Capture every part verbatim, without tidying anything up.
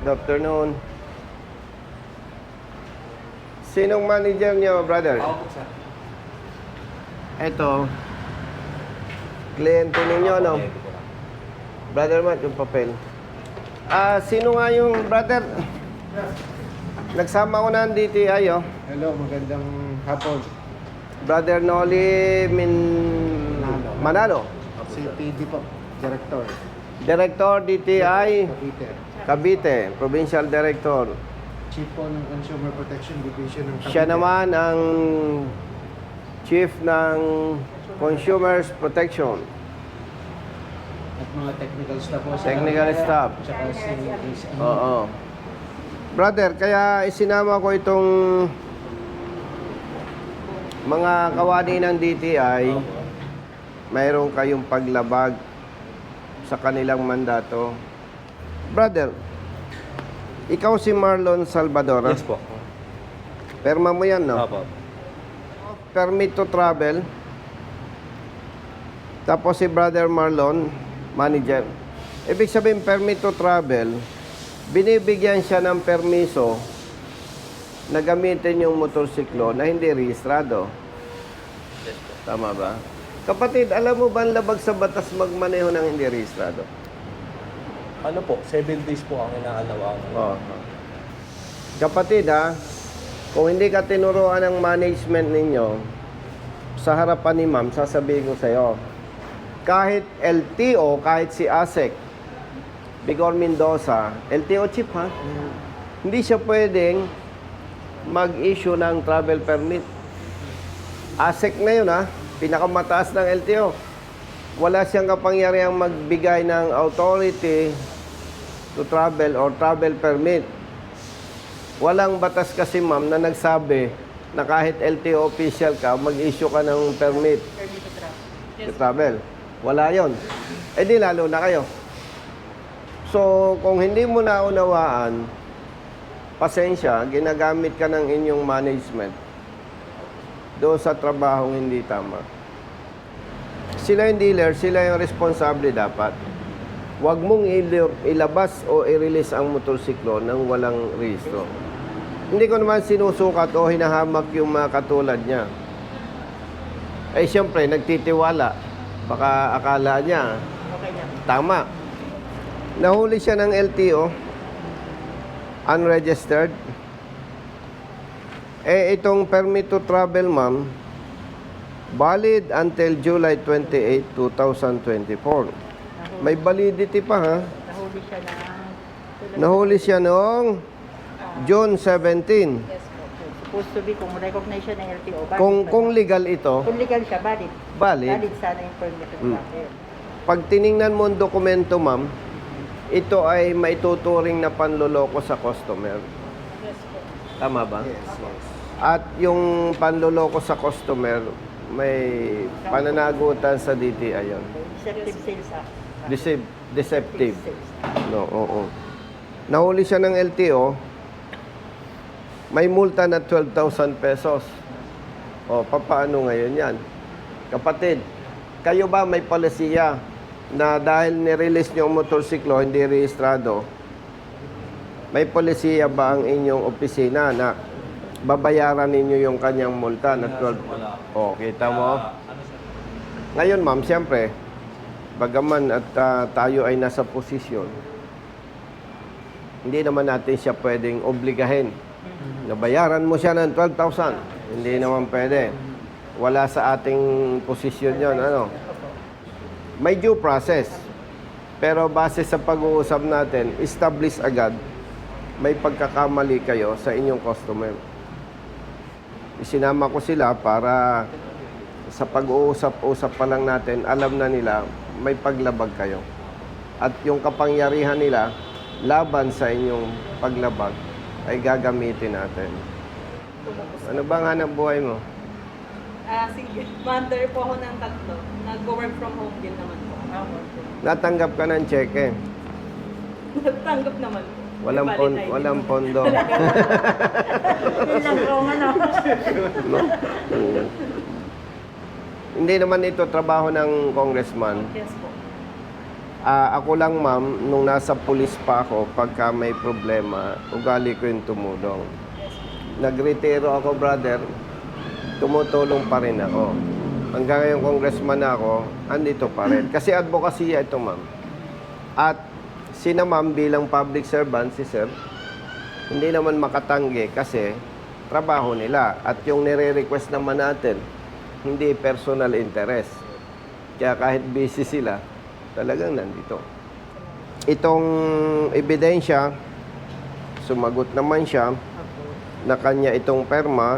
Good afternoon. Sinong manager niyo, brother? Ako po, sir. Ito. Kliyente ninyo, no? Ako po, Brother Matt, yung papel. Ah, sino nga yung brother? Nagsama ko na ang D T I, oh. Hello, magandang hapon. Brother Noli Min... Manalo. Si P D po, Director. Director D T I Cavite. Cavite, Provincial Director. Chief po ng Consumer Protection Division ng Cavite. Siya naman ang Chief ng Consumers Protection. At mga technical staff po. sa Technical Cavite. staff. Tsaka si si- Oo. Brother, kaya isinama ko itong mga kawani ng D T I. Mayroon kayong paglabag sa kanilang mandato. Brother, ikaw si Marlon Salvador. Yes po. Perma mo yan, no? Opo. Permit to travel. Tapos si Brother Marlon, manager. Ibig sabihin, permit to travel, binibigyan siya ng permiso na gamitin yung motorsiklo na hindi rehistrado. Yes po. Tama ba? Kapatid, alam mo ba ang labag sa batas magmaneho ng hindi rehistrado? Ano po, seven days po ang inaalawa. Oo. Kapatid, ha, kung hindi ka tinuruan ng management ninyo, sa harapan ni ma'am, sasabihin ko sa'yo, kahit L T O, kahit si ASEC, Bigor Mendoza, L T O chief, ha? Hindi siya pwedeng mag-issue ng travel permit. ASEC na yun, ha? Pinakamataas ng L T O. Wala siyang kapangyarihang magbigay ng authority to travel or travel permit. Walang batas kasi, ma'am, na nagsabi na kahit L T O official ka, mag-issue ka ng permit to travel. Wala yon. Eh di lalo na kayo. So, kung hindi mo naunawaan, pasensya, ginagamit ka ng inyong management doon sa trabahong hindi tama. Sila yung dealer, sila yung responsable dapat. Huwag mong ilabas o i-release ang motorsiklo nang walang rehistro. Hindi ko naman sinusukat o hinahamak yung mga katulad niya. Eh, siyempre, nagtitiwala. Baka akala niya, tama. Nahuli siya ng L T O, unregistered. Eh, itong permit to travel, ma'am, valid until July twenty-eighth, two thousand twenty-four. May validity pa, ha? Nahuli siya na. Nahuli siya noong June seventeenth. Yes po. Supposed to be kung recognize siya ng L T O. Valid Kung, pa kung na. legal ito, Kung legal siya, valid. valid. Valid sana yung permit to Mm. travel. Pag tiningnan mo ang dokumento, ma'am, ito ay maituturing na panloloko sa customer. Yes po. Tama ba? Yes, yes. At yung panloloko sa customer, may pananagutan sa D T I yun. Deceptive sales act. Decep- deceptive. Sales act. No, oo. Nahuli siya ng L T O, may multa na twelve thousand pesos. O, papaano ngayon yan? Kapatid, kayo ba may palisiya na dahil nirelease niyo ang motorsiklo, hindi rehistrado, may polisiya ba ang inyong opisina na babayaran ninyo yung kanyang multa na twelve? O, kita mo? Ngayon, ma'am, siyempre, bagaman at ah, tayo ay nasa posisyon, hindi naman natin siya pwedeng obligahin. Nabayaran mo siya ng twelve thousand. Hindi naman pwede. Wala sa ating posisyon yon, ano? May due process. Pero base sa pag-uusap natin, establish agad, may pagkakamali kayo sa inyong customer. Isinama ko sila para sa pag-uusap-usap pa lang natin, alam na nila may paglabag kayo. At yung kapangyarihan nila laban sa inyong paglabag ay gagamitin natin. Ano bang hanap buhay mo? Ah, sige. Mother po ako ng tatlo. Nag-work from home din naman po. Ah, okay. Natanggap ka ng cheque. Natanggap naman po. Walang, May pon, valid I D walang naman. pondo. Yun lang po, ano. No? Mm. Hindi naman ito trabaho ng congressman. Yes po. Ah, ako lang, ma'am, nung nasa pulis pa ako, pagka may problema, ugali ko yung tumulong. Nagretiro ako, brother, tumutulong pa rin ako. Hanggang ngayon, congressman na ako, andito pa rin. Kasi advocacy ito, ma'am. At sina ma'am bilang public servant, si sir, hindi naman makatanggi kasi trabaho nila. At yung nire-request naman natin, hindi personal interest. Kaya kahit busy sila, talagang nandito. Itong ebidensya, sumagot naman siya na kanya itong perma.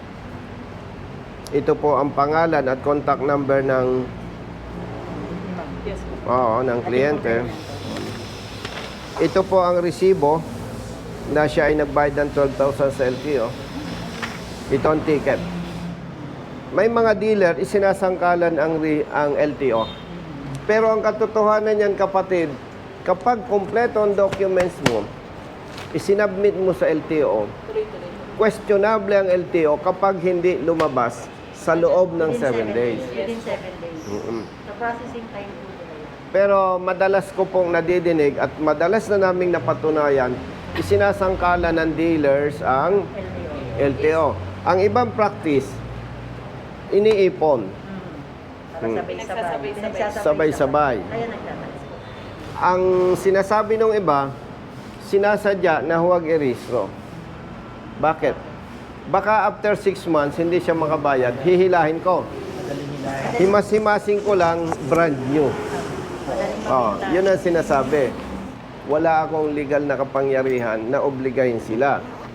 Ito po ang pangalan at contact number ng Yes po. oo, ng kliyente. Ito po ang resibo na siya ay nagbayad ng twelve thousand sa L T O. Ito ang ticket. May mga dealer, isinasangkalan ang, re- ang L T O. Pero ang katotohanan niyan, kapatid, kapag kompleto ang documents mo, isinabmit mo sa L T O, Tuloy-tuloy. questionable ang L T O kapag hindi lumabas sa loob ng Within seven days. Within seven days. Mm-mm. Sa processing time po nila yan. Pero madalas ko pong nadidinig at madalas na naming napatunayan, isinasangkalan ng dealers ang L T O. L T O. Ang ibang practice, iniipon. Mm. Para Hmm. sabay-sabay. Nagsasabay-sabay. Sabay-sabay. Kaya nagtatalis po. Ang sinasabi ng iba, sinasadya na huwag i-rehistro. Bakit? Baka after six months, hindi siya makabayad, hihilahin ko. Madaling hilahin. Himas-himasing ko lang, brand new. Madaling Oh, mabenta. yun ang sinasabi. Wala akong legal na kapangyarihan na obligahin sila.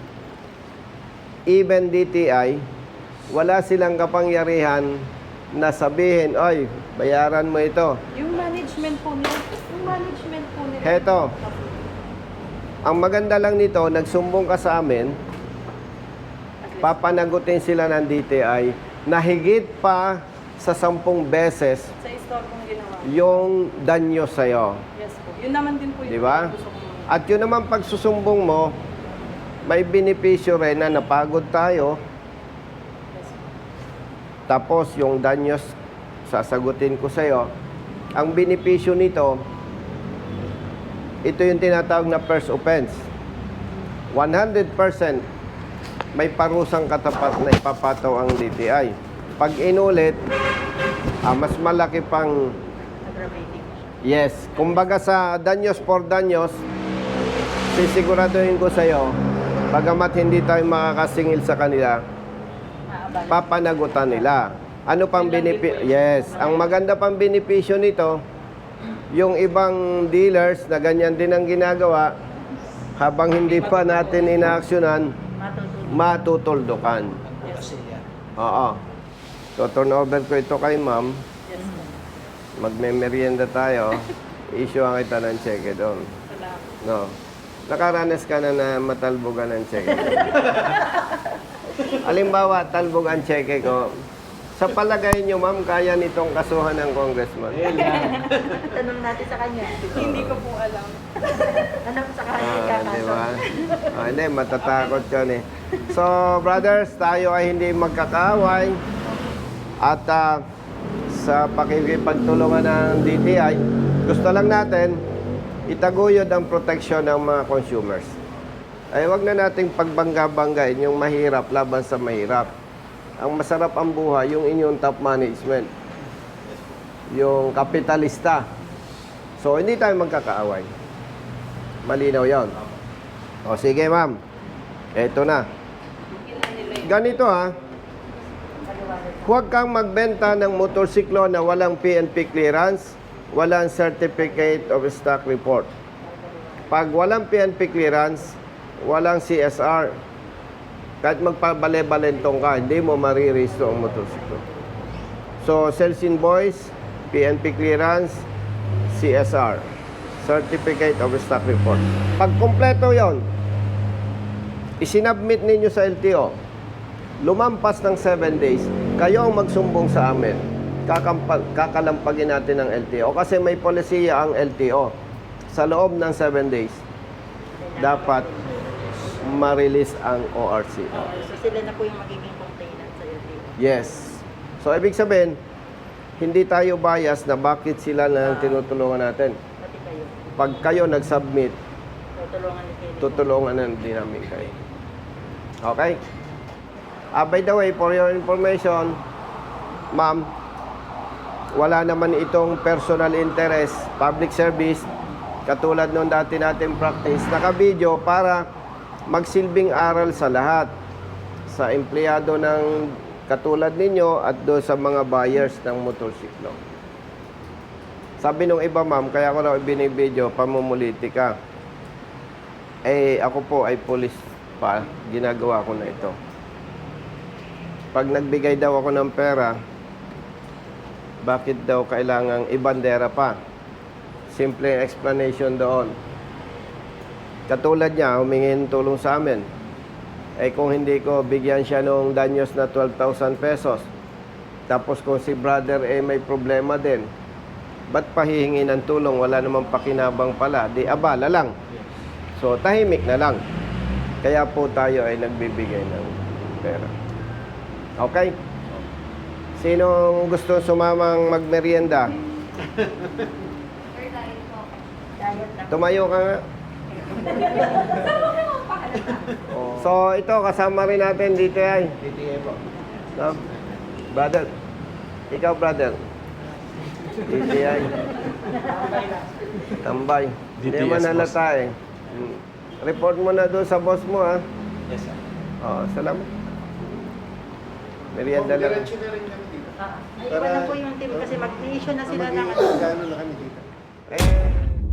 Even D T I, wala silang kapangyarihan na sabihin, oy, bayaran mo ito. Yung management po nila, yung management po nila. Heto. Ang maganda lang nito, nagsumbong ka sa amin, papanagutin sila ng D T I na higit pa sa sampung beses Sa store pong ginawa. yung danyo sa'yo. Yes po. Yun naman din po yung Di ba? gusto ko. At yun naman pagsusumbong mo, may benepisyo rin na napagod tayo. Yes po. Tapos yung danyos, sasagutin ko sa'yo. Ang benepisyo nito, ito yung tinatawag na first offense. one hundred percent may parusang katapat na ipapataw ang D T I. Pag inulit, ah, mas malaki pang Aggravating. yes. Kumbaga sa danyos for danyos, sisiguraduhin ko sa'yo, bagamat hindi tayo makakasingil sa kanila, Maabala. papanagutan nila. Ano pang benepisyo? Yes. Ang maganda pang benepisyo nito, yung ibang dealers na ganyan din ang ginagawa, habang hindi pa natin inaaksyonan, Matutunan. matutuldukan. Kasi yan. Oo. So, turn over ko ito kay ma'am. Yes po. Magme-merienda tayo. Issue ang kita ng cheque doon. Salamat. No. Nakaranas ka na na matalbogan ng cheque. Halimbawa, talbog ang cheque ko. Sa palagay nyo, ma'am, kaya nitong kasuhan ng congressman? Ayun yan. Tanong natin sa kanya. Hindi ko po alam. Tanong sa kanya. Ah, kakaso. di ba? Ah, hindi, matatakot yun eh. So, brothers, tayo ay hindi magkakaaway. At ah, sa pakikipagtulungan ng D T I, gusto lang natin itaguyod ang proteksyon ng mga consumers. Ay, wag na nating pagbangga-banggain yung mahirap laban sa mahirap. Ang masarap ang buhay, yung inyong top management. Yung kapitalista. So, hindi tayo magkakaaway. Malinaw yon. O, sige ma'am. Eto na. Ganito ha. Huwag kang magbenta ng motorsiklo na walang P N P clearance, walang Certificate of Stock Report. Pag walang P N P clearance, walang C S R, kahit magpabale-balentong ka, hindi mo mariregister ang motorsiklo. So, sales invoice, P N P clearance, C S R, Certificate of Stock Report. Pag kompleto yon, isinabmit ninyo sa L T O. Lumampas ng seven days, kayo ang magsumbong sa amin. Kakampa, kakalampagin natin ng L T O. Kasi may polisiya ang L T O. Sa loob ng seven days, dapat ma-release ang O R C. So sila na po yung magiging complainant sa L T O. Yes. So, ibig sabihin, hindi tayo bias na bakit sila na tinutulungan natin. pag kayo nag-submit, Tutulungan ni Kelly. tutulungan na din namin kayo. Okay? Ah, by the way, for your information, ma'am, wala naman itong personal interest, public service, katulad nung dati natin practice, naka-video para magsilbing aral sa lahat. Sa empleyado ng katulad ninyo at do sa mga buyers ng motorsiklo. Sabi nung iba, ma'am, kaya ko raw binibideo, pamumuliti ka. Eh, ako po ay police pa, ginagawa ko na ito. Pag nagbigay daw ako ng pera, bakit daw kailangang ibandera pa? Simple explanation doon. Katulad niya, humingin tulong sa amin. Eh kung hindi ko bigyan siya nung danyos na twelve thousand pesos, tapos kung si brother eh may problema din, ba't pahihingi ng tulong? Wala namang pakinabang pala. Di abala lang. So, tahimik na lang. Kaya po tayo ay nagbibigay ng pera. Okay? Sinong gusto sumamang magmerienda? Diet lang. Tumayo ka nga. Oh. So, ito, kasama rin natin dito ay. D T A po. No? Brother. Ikaw, brother. D T I. Tambay. D T S, Hindi man boss. halata eh. Hmm. Report mo na doon sa boss mo, ha? Yes, sir. Oo, salamat. Merienda lang. Diretso na rin kami dito. Ah, ay, Para- iwan na po yung team kasi mag-issue na sila ng ano. Magiging na kami dito. Eh,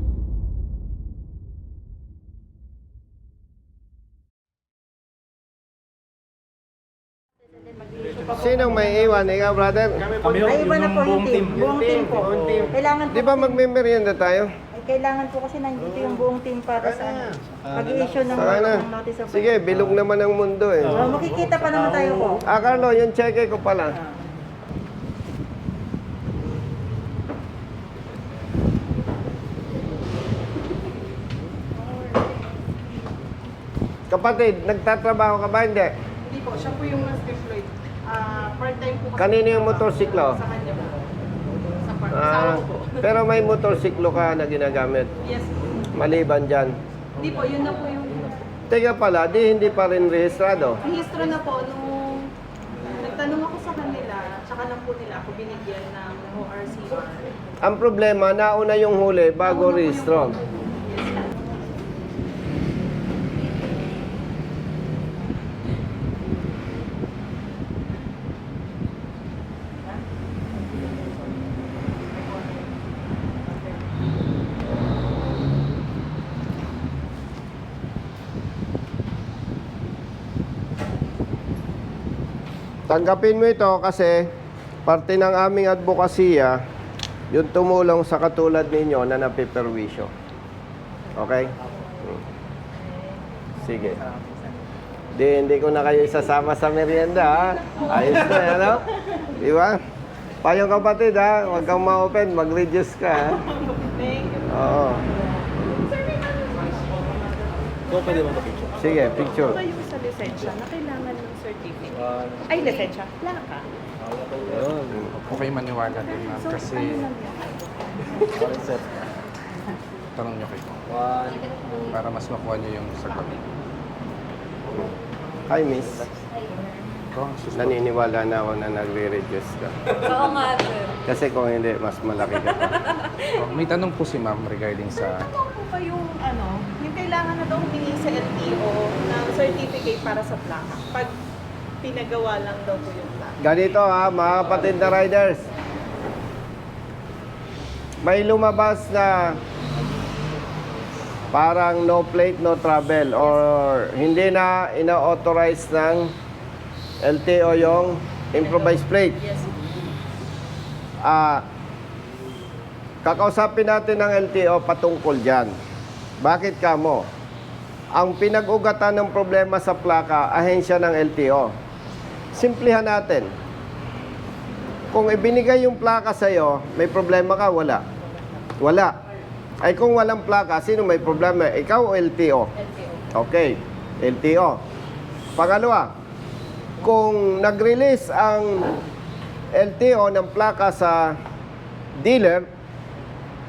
Mag-issue pa po. sinong may iwan? Ikaw, brother? Kami ho, Ay, iba na yung po yung buong team. team. Buong team po. Buong team. Kailangan po Di ba kasi- magme-merienda tayo? ay, kailangan po kasi nandito yung buong team para sa ano. Mag-issue ng, Saka na. ng notice of Sige, bilog naman ang mundo eh. Oh, makikita pa naman tayo po. Ah, Carlo, yung cheque ko pala. Kapatid, nagtatrabaho ka ba? Hindi. Hindi po, siya po yung mas deployed. Ah, part-time po kasi. Kanino yung motorsiklo? Sa kanya po. Sa part. Ah, Kasama ko po. pero may motorsiklo ka na ginagamit. Yes po. Maliban dyan. Hindi po, yun na po yung Teka pala, di hindi pa rin rehistrado. rehistro na po nung nagtanong ako sa kanila, tsaka lang po nila ako binigyan ng O R C R. Ang problema, nauna yung huli bago Nauna po yung- rehistro. Yes. Tanggapin mo ito kasi parte ng aming advokasya yung tumulong sa katulad ninyo na napiperwisyo. Okay? Hmm. Sige. Di, hindi ko na kayo isasama sa merienda, ha? Ayos na, ano? Di ba? Payong kapatid, ha? Huwag kang ma-open, mag-reduce ka, ha? Thank you. Oo. So, pwede mo mag-picture? Sige, picture. Kayo sa lisensya na kailangan ng certificate. Ay, lisensya. Plaka. Huwag kayo maniwala din, ma'am, So, kasi ano lang yan? One set. tanong nyo kayo One. para mas makuha nyo yung sagot. Hi, miss. Ito, ang susunod. Naniniwala na ako na nagre-reduce ka. Oo nga, sir. Kasi kung hindi, mas malaki ka pa. Oh, may tanong po si ma'am regarding sa... Ano po ba yung, ano, yung kailangan na daw humingi sa L T O ng certificate para sa plaka? Pag pinagawa lang daw po yung plaka. Ganito ha, mga kapatid na riders. May lumabas na parang no plate, no travel or hindi na ina-authorize ng L T O yung improvised plate. Yes. Ah, kakausapin natin ng L T O patungkol dyan. Bakit kamo? Ang pinag-ugatan ng problema sa plaka, ahensya ng L T O. Simplihan natin. Kung ibinigay yung plaka sa'yo, may problema ka? Wala. Wala. Ay kung walang plaka, sino may problema? Ikaw o L T O? L T O. Okay, L T O. Pangalawa, kung nag-release ang L T O ng plaka sa dealer,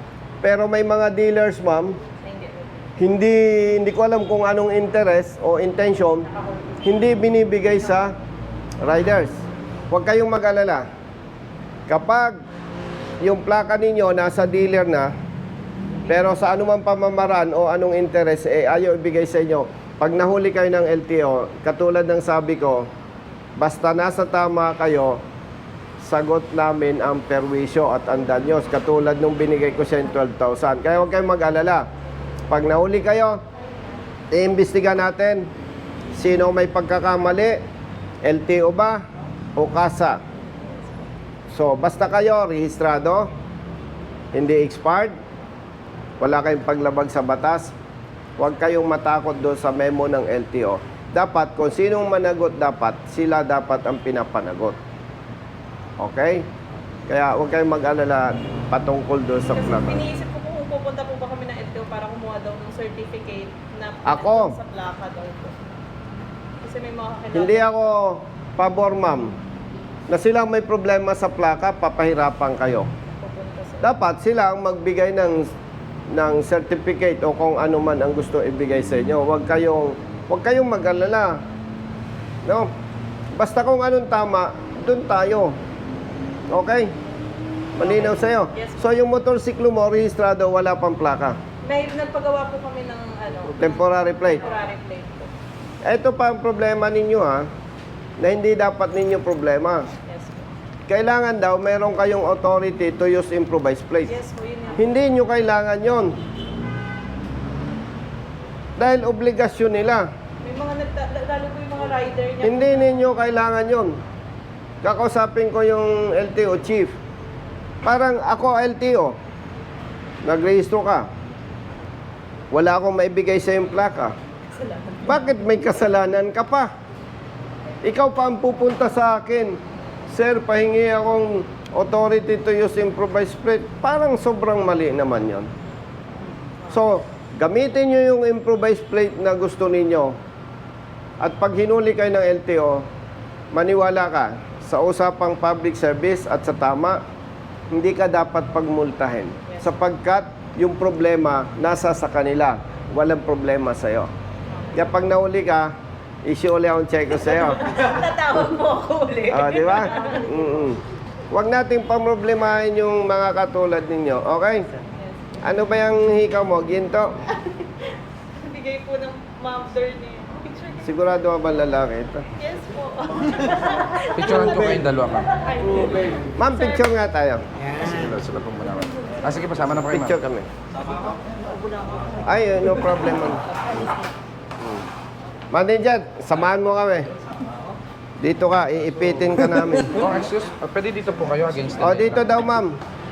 Pero may mga dealers, ma'am, Hindi. hindi hindi ko alam kung anong interest o intention, hindi binibigay sa riders. Huwag kayong mag-alala. Kapag yung plaka ninyo nasa dealer na, pero sa anumang pamamaraan o anong interest, eh ayaw ibigay sa inyo. Pag nahuli kayo ng L T O, katulad ng sabi ko, basta nasa tama kayo, sagot namin ang perwisyo at ang danyos. Katulad nung binigay ko sa twelve thousand. Kaya huwag kayong mag-alala. Pag nahuli kayo, i-imbestiga natin sino may pagkakamali, L T O ba o kasa. So, basta kayo rehistrado, hindi expired, wala kayong paglabag sa batas, huwag kayong matakot doon sa memo ng L T O. Dapat, kung sinong managot dapat, sila dapat ang pinapanagot. Okay? Kaya huwag kayong mag-alala patungkol doon sa Kasi plaka. iniisip ko kung pupunta po ba kami ng L T O para kumuha daw ng certificate na Ako? sa plaka daw po. Kasi may mga kakilala. Hindi ako pabor, ma'am, na silang may problema sa plaka, papahirapan kayo. Pupunta sa... Dapat sila ang magbigay ng ng certificate o kung ano man ang gusto ibigay sa inyo. Huwag kayong huwag kayong mag-alala. No? Basta kung anong tama, doon tayo. Okay? Malinaw sa'yo. Yes. So yung motorsiklo mo, rehistrado, wala pang plaka. May nagpagawa po kami ng ano, Temporary plate. temporary plate po. Ito pa ang problema ninyo, ha, na hindi dapat ninyo problema. Yes po. Kailangan daw meron kayong authority to use improvised plate. Yes po, yun yun. Hindi nyo kailangan yon. Dahil obligasyon nila. May mga nagta- lalo po yung mga rider niya. Hindi ninyo kailangan yon. Kakausapin ko yung L T O chief. Parang ako L T O. Nagrehistro ka. Wala akong maibigay sa yung plaka. Salamat. Bakit may kasalanan ka pa? Ikaw pa ang pupunta sa akin. Sir, pahingi akong authority to use improvised plate. Parang sobrang mali naman yon. So, gamitin nyo yung improvised plate na gusto ninyo. At pag hinuli kayo ng L T O, maniwala ka sa usapang public service at sa tama, hindi ka dapat pagmultahin. Sapagkat yung problema nasa sa kanila. Walang problema sa'yo. Kaya pag nahuli ka, issue ulit akong check ko sa'yo. Tatawag mo ako ulit. Ah, di ba? Mm-mm. Huwag nating pamroblemahin yung mga katulad ninyo. Okay? Ano ba yung hikaw mo? Ginto? Bigay po ng mother niya. Picture niya. Sigurado ka ba lalaki ito? Yes po. Picturean ko kayong dalawa, ma'am. Ay, Ma'am, picture nga tayo. Sige, sila po muna, ma'am. Ah, sige, pasama na po kayo, Picture ma'am. kami. Ay, no problem. ma'am. Hmm. Manager, samahan mo kami. Dito ka, iipitin ka namin. Oh, excuse. Ah, pwede dito po kayo against the O, light, dito ma'am. daw, ma'am.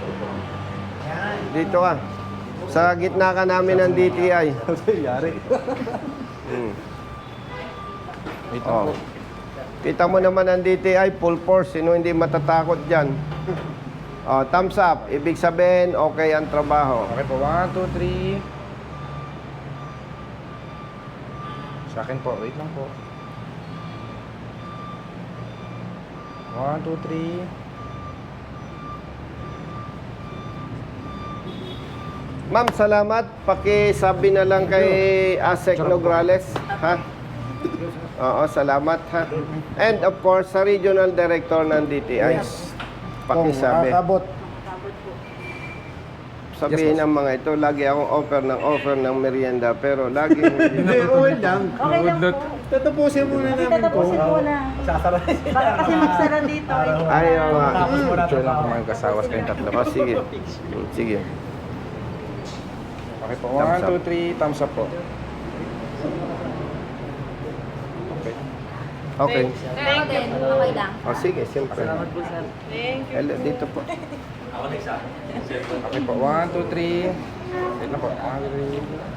Dito ka. Sa gitna ka namin ng D T I. Yari. Hmm. Wait lang Oh. po. Kita mo naman ang D T I, full force. Sino hindi matatakot dyan? Oh, thumbs up. Ibig sabihin, okay ang trabaho. Okay po, one, two, three. Sa akin po, wait lang po. One, two, three. Ma'am, salamat. Pakisabi na lang kay Asek Nograles. Ha? Oo, salamat ha. And of course, sa Regional Director ng D T I. Pakisabi. Sabihin ng mga ito, lagi akong offer ng offer ng merienda, pero lagi Hindi, okay lang. Okay lang po. Tatapusin muna Hindi, namin po. tatapusin ko na. Sasara. Baka kasi magsara dito. eh. Ayaw nga. Tapos mo na Picture lang po mga kasawas kayong tatlo po. O, sige. Hmm, Sige. Okay po, Thumbs one, up. two, three, thumbs up po. Okay. Okay. Pero ako din, okay lang. O, sige, siyempre. thank you. Hello, dito po. Okay po, one, two, three. Wait lang po. One, two, three.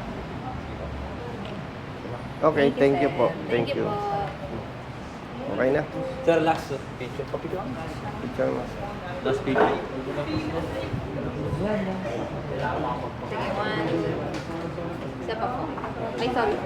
Okay, thank you po. Thank you. Okay na? Sir, last picture. Papicture. Picture mo. Last picture. Sige, one. Isa pa po. Ay, sorry.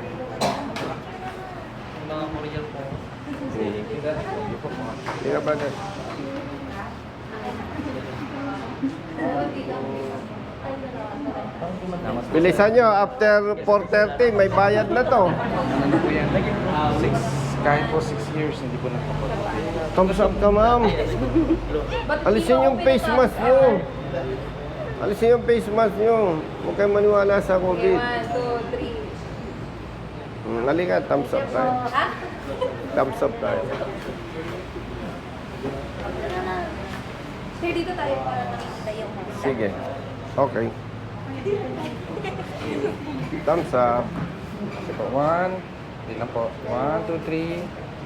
Hindi ka ba na? Bilisan nyo, after four thirty, may bayad na to. Ano po yan? Six, kahit po six years, hindi po nagpapagawa. Thumbs up ka, ma'am. Alisin yung face mask nyo. Alisin yung face mask nyo. Huwag kayong maniwala sa Okay, COVID. one, two, three. Hmm, halika, thumbs up tayo. Ha? Thumbs up tayo. Sir, dito tayo para nakikita yung Sige. Okay. Thumbs up. Sige po, one. Hindi na po. One, two, three.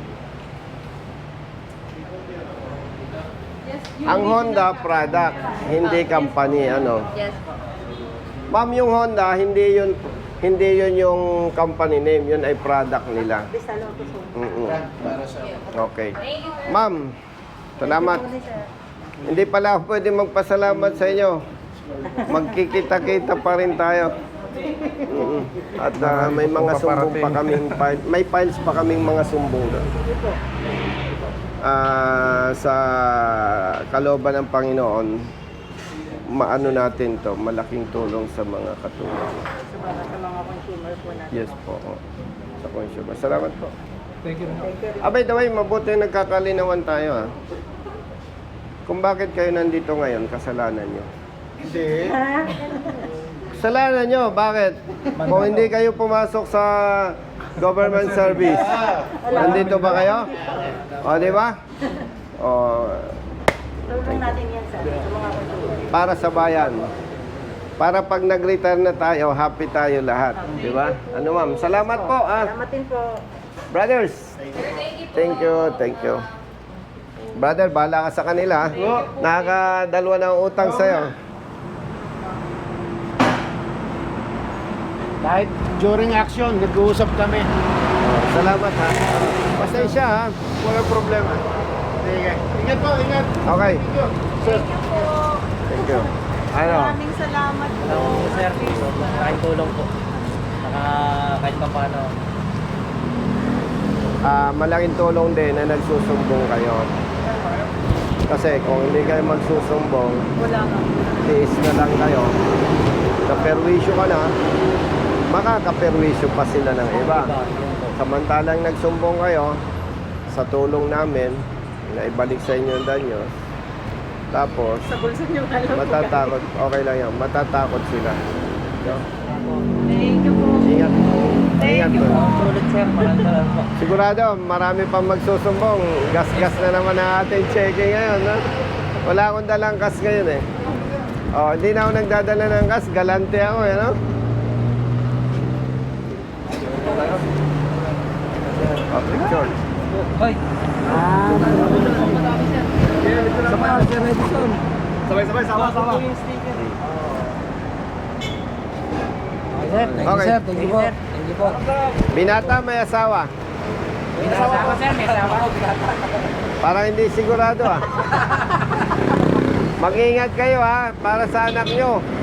Ang Honda product, hindi company, ano. Yes po. Ma'am, yung Honda, hindi yun hindi yun yung company name, yun ay product nila. Bisa Lotus po. Mm-mm. Para sa Okay. Thank you, sir. Ma'am, salamat. Hindi pala ako pwede magpasalamat sa inyo. Magkikita-kita pa rin tayo. Mm-mm. At ah, may mga sumbong pa kaming file- may files pa kaming mga sumbong doon. Ah, sa kalooban ng Panginoon, maano natin to, malaking tulong sa mga katulad. So, para sa mga consumer po natin. Yes po. Sa consumer. Salamat po. Thank you. Abay, daway, mabuti nagkakalinawan tayo ha. Kung bakit kayo nandito ngayon, kasalanan nyo. Hindi. Kasalanan nyo, bakit? Kung hindi kayo pumasok sa government service, nandito ba kayo? O, di ba? O, Tulong natin yan sa, sa mga consumer. para sa bayan. Para pag nag-retire na tayo, happy tayo lahat. Di ba? Ano ma'am? Salamat po. Ah. Salamat din po. Brothers, thank you, thank you. Brother, bahala ka sa kanila. ha? Nakakadalwa ng utang sa'yo. Kahit during action, nag-uusap kami. Oh, salamat ha. Pasensya ha. Walang problema. Sige. Ingat po, ingat. Okay. Thank you po. Thank you. Ano? Maraming salamat po. Hello, sir. Kahit tulong po. Saka kahit pa paano. Ah, malaking tulong din na nagsusumbong kayo. Kasi kung hindi kayo magsusumbong, Wala nga. tiis na lang kayo. Kaperwisyo ka na, makakaperwisyo pa sila ng iba. Samantalang nagsumbong kayo, sa tulong namin, na ibalik sa inyo ang danyo, tapos, Sa bulsa niyo alam po. matatakot, okay lang yan, matatakot sila. No? Thank you po. Ingat. Ingat Thank you po. po. Sulit, sir. Maraming salamat po. Sigurado, marami pang magsusumbong. Gas-gas na naman ang ating checking ngayon. No? Wala akong dalang gas ngayon eh. Oh, hindi na ako nagdadala ng gas. Galante ako eh, no? Oh, picture. Hoy! Sabay-sabay, sama-sama. Okay, sir. Thank Okay. you, sir. Thank you po. Thank you po. Binata may asawa. May asawa ko, sir. May asawa ko. Parang hindi sigurado ah. Mag-ingat kayo ha, para sa anak nyo.